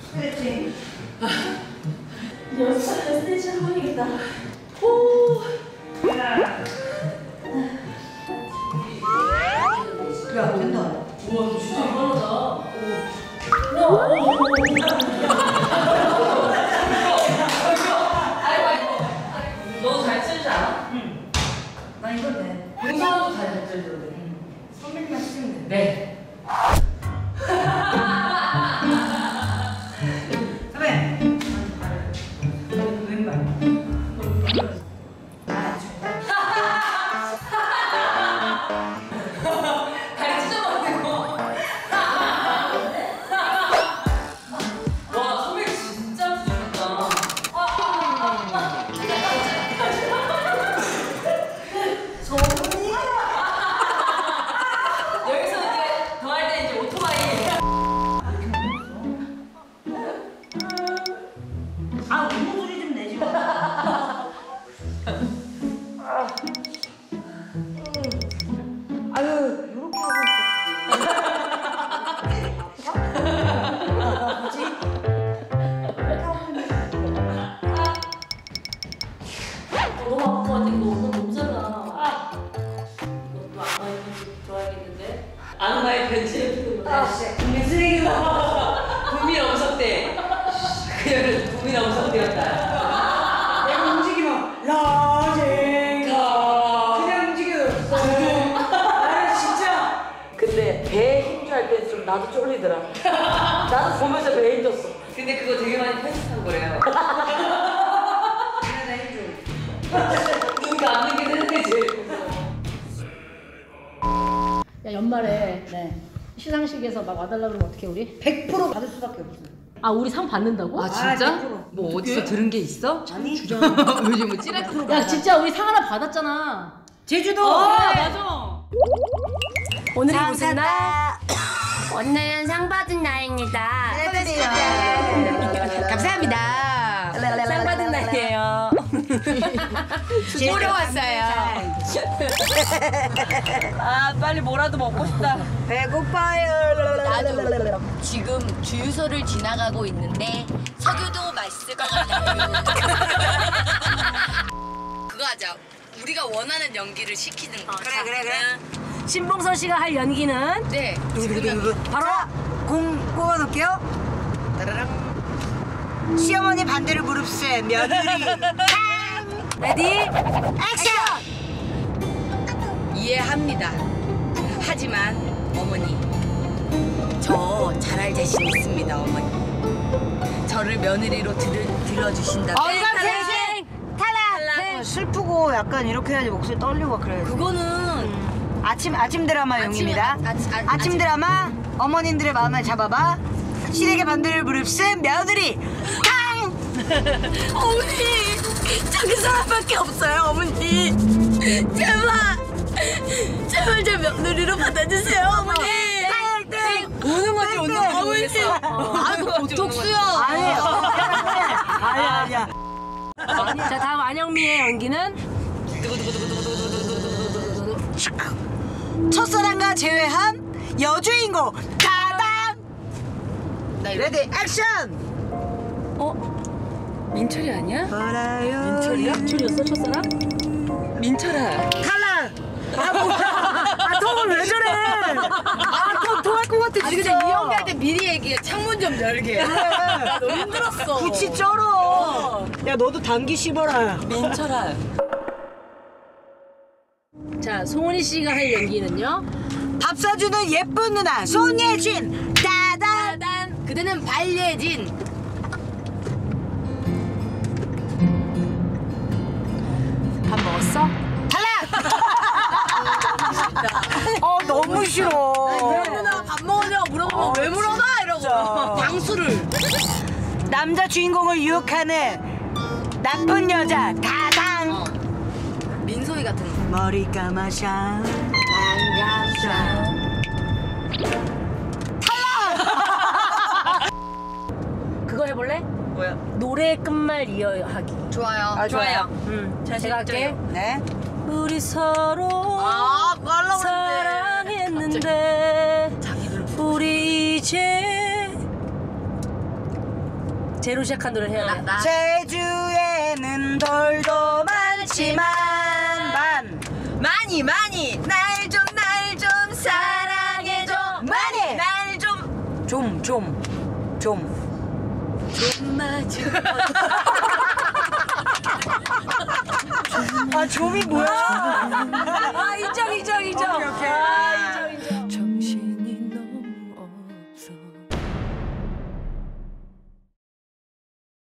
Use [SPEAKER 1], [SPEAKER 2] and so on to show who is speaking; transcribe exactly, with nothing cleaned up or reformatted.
[SPEAKER 1] 스트레칭.
[SPEAKER 2] 연습하면 스트레칭 한번 해야겠다. 오.
[SPEAKER 1] 야, 된다.
[SPEAKER 2] 우와, 진짜 이만하다. 오. 야, 오, 오, 오. 아이고, 아이고. 너도 잘 치지 않아?
[SPEAKER 1] 응. 나 이건 돼.
[SPEAKER 2] 공사도 잘 치는데.
[SPEAKER 1] 선배님만 치면 돼.
[SPEAKER 2] 네. 아는 나의 변신을
[SPEAKER 1] 아, 씨. 국민 쓰레기다.
[SPEAKER 2] 국민 엄석대. 그녀는 국민 엄석대였다.
[SPEAKER 1] 내가 움직이면 라젠가. 그냥 움직여도 나는 진짜.
[SPEAKER 2] 근데 배에 힘줄 때 좀 나도 쫄리더라. 나도 보면서 배에 힘줬어. 근데 그거 되게 많이 편집한 거래요.
[SPEAKER 1] 그래, 나 힘줘.
[SPEAKER 2] 눈 감는 게 되는 게 제일 무서워.
[SPEAKER 3] 야, 연말에
[SPEAKER 1] 네.
[SPEAKER 3] 시상식에서 막 와달라고 그러면 어떻게 우리?
[SPEAKER 1] 백 퍼센트 받을 수밖에 없어.
[SPEAKER 3] 아, 우리 상 받는다고?
[SPEAKER 2] 아
[SPEAKER 1] 진짜?
[SPEAKER 2] 진짜?
[SPEAKER 1] 백 퍼센트.
[SPEAKER 2] 뭐 어디서 들은 게 있어?
[SPEAKER 1] 아니.
[SPEAKER 2] 요즘 뭐 찌랄 프로.
[SPEAKER 3] 야, 진짜 우리 상 하나 받았잖아.
[SPEAKER 1] 제주도.
[SPEAKER 3] 어, 맞아. 오늘이 무슨 날?
[SPEAKER 4] 오늘은 상 받은 날입니다.
[SPEAKER 1] 감사합니다.
[SPEAKER 4] 상 받은 날이에요. 보러 왔어요.
[SPEAKER 2] 아 빨리 뭐라도 먹고 싶다.
[SPEAKER 1] 배고파요.
[SPEAKER 4] 나도 지금 주유소를 지나가고 있는데 석유도 맛있을 것 같아요. 그거 하자. 우리가 원하는 연기를 시키는 거.
[SPEAKER 1] 그래, 그래, 그래.
[SPEAKER 3] 신봉선 씨가 할 연기는
[SPEAKER 4] 네.
[SPEAKER 1] 바로 공 뽑아놓을게요. 따라랑. 시어머니 반대로 무릎세 며느리.
[SPEAKER 3] 레디
[SPEAKER 1] 액션.
[SPEAKER 4] 이해합니다. 하지만 어머니, 저 잘할 자신 있습니다, 어머니. 저를 며느리로 들, 들어주신다면.
[SPEAKER 3] 어이가
[SPEAKER 1] 탈락. 어, 슬프고 약간 이렇게 해야지 목소리 떨리고 그래요.
[SPEAKER 4] 그거는
[SPEAKER 1] 아침 아침 드라마용입니다.
[SPEAKER 4] 아침, 아, 아,
[SPEAKER 1] 아침
[SPEAKER 4] 아침.
[SPEAKER 1] 드라마 어머님들의 마음을 잡아봐. 시댁의 반대를 무릅쓴 며느리. 탕.
[SPEAKER 4] 어머니, 저기 사람밖에 없어요, 어머니. 제발, 제발 저 며느리로 받아주세요, 어머니. 우는 건지 웃는 건지 모르겠어. 아이고, 보톡스야.
[SPEAKER 1] 아니에요. 아니야 아니야.
[SPEAKER 3] 자, 다음 안영미의 연기는
[SPEAKER 1] 첫사랑과 제외한 여주인공 가담. 레디 액션.
[SPEAKER 4] 어? 민철이 아니야?
[SPEAKER 1] 알아요.
[SPEAKER 4] 민철이야?
[SPEAKER 3] 민철이었어, 첫사랑?
[SPEAKER 4] 민철아.
[SPEAKER 1] 탈락. 아 뭐야? 아 톰을 왜 저래? 아톰 토할 것 같아
[SPEAKER 4] 아니 근데
[SPEAKER 1] 진짜.
[SPEAKER 4] 이 연기할 때 미리 얘기해. 창문 좀 열게. 나 너무 힘들었어.
[SPEAKER 1] 구치 쩔어. 야 너도 단기 씹어라.
[SPEAKER 4] 민철아.
[SPEAKER 3] 자, 송은이 씨가 할 연기는요?
[SPEAKER 1] 밥 사주는 예쁜 누나 손예진. 따단.
[SPEAKER 4] 따단. 그대는 발예진. 밥 먹었어?
[SPEAKER 1] 어 너무 싫어.
[SPEAKER 4] 누나 밥 먹으냐고 물어보면
[SPEAKER 1] 어,
[SPEAKER 4] 왜 물어봐? 이러고
[SPEAKER 1] 진짜.
[SPEAKER 4] 방수를.
[SPEAKER 1] 남자 주인공을 유혹하는 나쁜 여자 가당.
[SPEAKER 4] 어. 민소희 같은 거.
[SPEAKER 1] 머리 감아샤.
[SPEAKER 4] 반갑샤.
[SPEAKER 3] 그거 해볼래?
[SPEAKER 4] 뭐야?
[SPEAKER 3] 노래 끝말 이어하기.
[SPEAKER 4] 좋아요.
[SPEAKER 1] 아, 좋아요.
[SPEAKER 3] 응,
[SPEAKER 4] 잘
[SPEAKER 3] 제가 할게.
[SPEAKER 1] 네.
[SPEAKER 3] 우리 서로
[SPEAKER 4] 아, 그거 하려고
[SPEAKER 3] 사랑했는데
[SPEAKER 4] 자기들
[SPEAKER 3] 우리 이제 제로 시작한 노래를 해야 돼.
[SPEAKER 1] 제주에는 돌도 많지만 만
[SPEAKER 4] 많이 많이 날 좀 날 좀 사랑해줘.
[SPEAKER 1] 많이!
[SPEAKER 4] 날 좀
[SPEAKER 1] 좀, 좀, 좀.
[SPEAKER 4] 좀 마주.
[SPEAKER 1] 아, 좀이 뭐야?
[SPEAKER 3] 아 인정 인정.